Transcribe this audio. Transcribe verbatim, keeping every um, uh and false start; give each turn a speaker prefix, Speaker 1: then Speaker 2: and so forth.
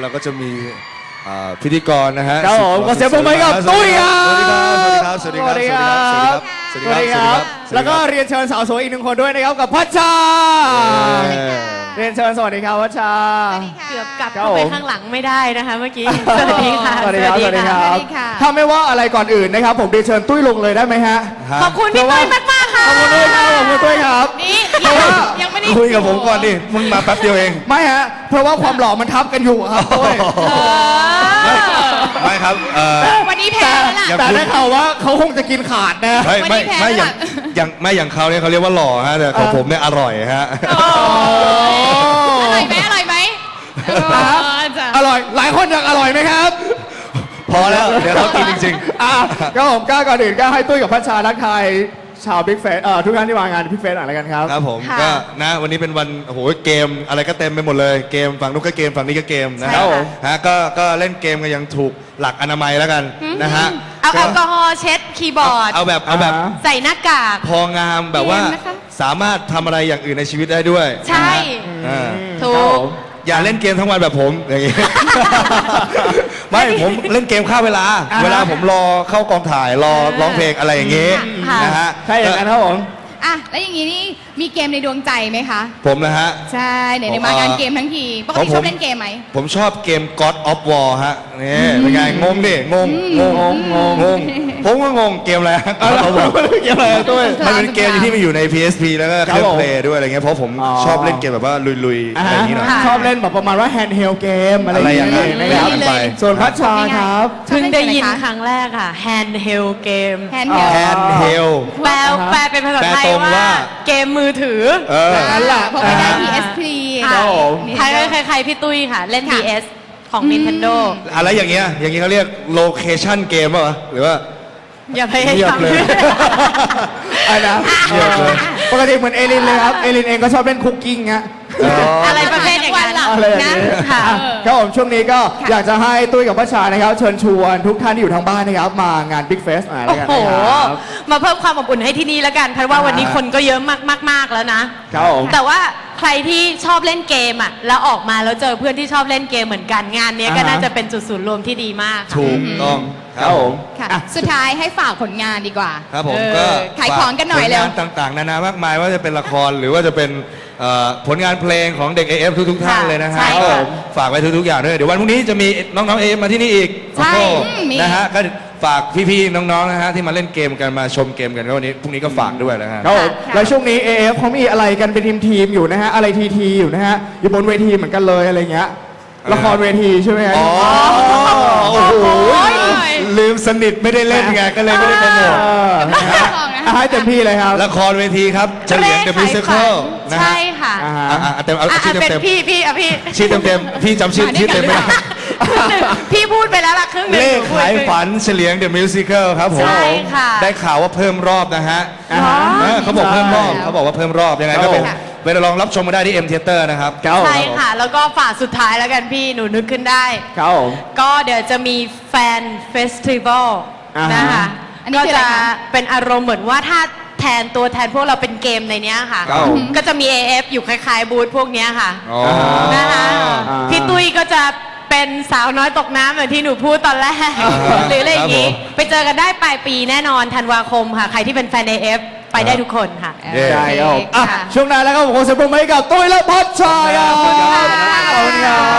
Speaker 1: เราก็จะมีพิธีกรนะฮะ
Speaker 2: ครับผมขอเสียงปรบมือให้กับตุ้ยครับ
Speaker 1: สวัสดีครับสวัสดีครับสวัสดีครับสวัสดีครับสวัสดีครับ
Speaker 2: แล้วก็เรียนเชิญสาวสวยอีกหนึ่งคนด้วยนะครับกับพัชชาเรียนเชิญสวัสดีครับพัชชา
Speaker 3: เกือบกลับเข้าไปข้างหลังไม่ได้นะคะเมื่อกี้สวัสดีค่ะ
Speaker 2: สวัสดีครับสวัสดีครับถ้าไม่ว่าอะไรก่อนอื่นนะครับผมเรียนเชิญตุ้ยลงเลยได้ไหมฮะ
Speaker 3: ขอบคุณพี่ตุ้ยมากมากค่ะ
Speaker 2: ขอบคุณตุ้ยครับขอบคุณตุ้ยครับ
Speaker 3: นี่ยังไม่ได้
Speaker 1: คุยกับผมก่อนดิมึงมาแป๊บเดียวเอง
Speaker 2: ไม่ฮะเพราะว่าความหล่อมันทับกันอยู่ครับตุ้ย
Speaker 1: ไม่ครับ
Speaker 3: วันนี้แพ้แล้วล่ะ
Speaker 2: แต่ได้ข่าวว่าเขาคงจะกินขาดนะ
Speaker 1: ไม่ไม่ไม่อย่างอย่างไม่อย่างเขาเนี่ยเขาเรียกว่าหล่อฮะแต่ของผมเนี่ยอร่อยฮะ
Speaker 3: อร่อยไหมอร่อยไหม
Speaker 2: อร่อยหลายคนอยากอร่อยไหมครับ
Speaker 1: พอแล้วเดี๋ยวเรากินจริง
Speaker 2: ๆอ่ะก็ผมกล้าก่อนอื่นกล้าให้ตุ้ยกับพัชชาทักทายชาวบิ๊กเฟสทุกท่านที่มางานบิ๊กเฟสอะไรกันครับ
Speaker 1: ครับผมก็นะวันนี้เป็นวันโอ้โหเกมอะไรก็เต็มไปหมดเลยเกมฝั่งนู้นก็เกมฝั่งนี้ก็เกมนะครับฮะก็ก็เล่นเกมกันยังถูกหลักอนามัยแล้วกันนะฮะ
Speaker 3: เอาแอลกอฮอล์เช็ดคีย์บอร์ด
Speaker 1: เอาแบบเอาแบบ
Speaker 3: ใส่หน้ากาก
Speaker 1: พองามแบบว่าสามารถทำอะไรอย่างอื่นในชีวิตได้ด้วย
Speaker 3: ใช่ถูก
Speaker 1: อย่าเล่นเกมทั้งวันแบบผมอย่างงี้ไม่ผมเล่นเกมฆ่าเวลาเวลาผมรอเข้ากองถ่ายรอร้องเพลงอะไรอย่างงี้นะฮะ
Speaker 2: ใช่อย่างนั้นครับผม
Speaker 3: อ่ะแล้วอย่างนี้นี่มีเกมในดวงใจไหมคะ
Speaker 1: ผมนะฮะ
Speaker 3: ใช่ไหนในมางานเกมทั้งทีปกติชอบเล่นเกมไหม
Speaker 1: ผมชอบเกม God of War ฮะนี่เป็นไงงงดิงงงงงงงงผมก็งงเกมอะไร
Speaker 2: เกมอะไรตัว
Speaker 1: มันเป็นเกมที่มันอยู่ใน พี เอส พี แล้วก็เครื่องเพลย์ด้วยอะไรเงี้ยเพราะผมชอบเล่นเกมแบบว่าลุยๆอะไรอย่างงี้หน่อย
Speaker 2: ชอบเล่นแบบประมาณว่า handheld เกมอะไรอย่างเงี้ยนะครับส่วนพัชชาครับ
Speaker 3: เพิ่งได้ยินครั้งแรกค่ะ handheld เกม
Speaker 1: handheld
Speaker 3: แปลแปลเป็นภาษาไทยว่าเกมมือถือ
Speaker 2: นั่นแหละ
Speaker 3: เพราะไม่ได้ พี เอส พี ใครใครพี่ตุ้ยค่ะเล่น พี เอส ของ Nintendo
Speaker 1: อะไรอย่างเงี้ยอย่างงี้เขาเรียก location เกมป่ะหรือว่า
Speaker 3: อย่าพยายาม
Speaker 2: เลยอะไรนะปกติเหมือนเอลินเลยครับเอลินเองก็ชอบเล่นคุกกิ้งฮะ
Speaker 3: อะไรประเภทอย่างนั้น
Speaker 2: นะค่ะครับผมช่วงนี้ก็อยากจะให้ตุ้ยกับพัชชานะครับเชิญชวนทุกท่านที่อยู่ทางบ้านนะครับมางาน Big Fest อะไรกันนะครับ
Speaker 3: มาเพิ่มความอบอุ่นให้ที่นี่แล้วกันเพราะว่าวันนี้คนก็เยอะมากๆแล้วนะครับผมแต่ว่าใครที่ชอบเล่นเกมอ่ะแล้วออกมาแล้วเจอเพื่อนที่ชอบเล่นเกมเหมือนกันงานนี้ก็น่าจะเป็นจุดศูนย์รวมที่ดีมาก
Speaker 1: ถูกต้อง
Speaker 2: ครับผม
Speaker 3: สุดท้ายให้ฝากผลงานดีกว่า
Speaker 1: ครับผมก็
Speaker 3: ขายของกันหน่อยแล้ว
Speaker 1: ผลงานต่างๆนานามากมายว่าจะเป็นละครหรือว่าจะเป็นผลงานเพลงของเด็ก เอ เอฟ ทุกๆท่านเลยนะฮะฝากไว้ทุกๆอย่างด้วยเดี๋ยววันพรุ่งนี้จะมีน้องๆ เอ เอฟ มาที่นี่อีก
Speaker 3: ใช่
Speaker 1: นะฮะก็ฝากพี่ๆน้องๆนะฮะที่มาเล่นเกมกันมาชมเกมกันก็วันนี้พรุ่งนี้ก็ฝากด้วยนะฮะ
Speaker 2: แล้วช่วงนี้ เอ เอฟ เขามีอะไรกันเป็นทีมๆอยู่นะฮะอะไรทีทีอยู่นะฮะอยู่บนเวทีเหมือนกันเลยอะไรเงี้ยละครเวทีใช่ไหมฮะ
Speaker 1: อ๋อโอ้โหลืมสนิทไม่ได้เล่นไงก็เลยไม่ได้โปรโมท
Speaker 2: ให้เต็มที่เลยครับ
Speaker 1: ละครเวทีครับเฉลียง The Musical
Speaker 3: นะฮะใช่ค่ะ
Speaker 1: เต็มเอาชื่อเต็ม
Speaker 3: พี่พี่อ่ะพี่
Speaker 1: ชื่อเต็มๆพี่จำชื่อชื่อเต็มไม่ได้
Speaker 3: พี่พูดไปแล้วล่ะครึ่งหนึ่ง
Speaker 1: เลขขายฝันเฉลียง The Musical ครับผมได้ข่าวว่าเพิ่มรอบนะฮะเขาบอกเพิ่มรอบเขาบอกว่าเพิ่มรอบยังไงก็เป็นไปลองรับชมมาได้ที่ เอ็ม Theater นะครับ
Speaker 3: ใช่ค่ะแล้วก็ฝากสุดท้ายแล้วกันพี่หนูนึกขึ้นได้ก็เดี๋ยวจะมีแฟนเฟสติวัลนะคะก็จะเป็นอารมณ์เหมือนว่าถ้าแทนตัวแทนพวกเราเป็นเกมในนี้ค่ะก็จะมี เอ เอฟ อยู่คล้ายๆบูธพวกนี้ค่ะนะคะพี่ตุ้ยก็จะเป็นสาวน้อยตกน้ำเหมือนที่หนูพูดตอนแรกหรืออะไรอย่างนี้ไปเจอกันได้ปลายปีแน่นอนธันวาคมค่ะใครที่เป็นแฟน เอ เอฟ ไปได้ทุกคนค่ะ
Speaker 2: ใช่ครับช่วงนั้นแล้วก็ผมขอเสียงปรบมือให้กับตุ้ยและพัชชาครับขอบคุณครับ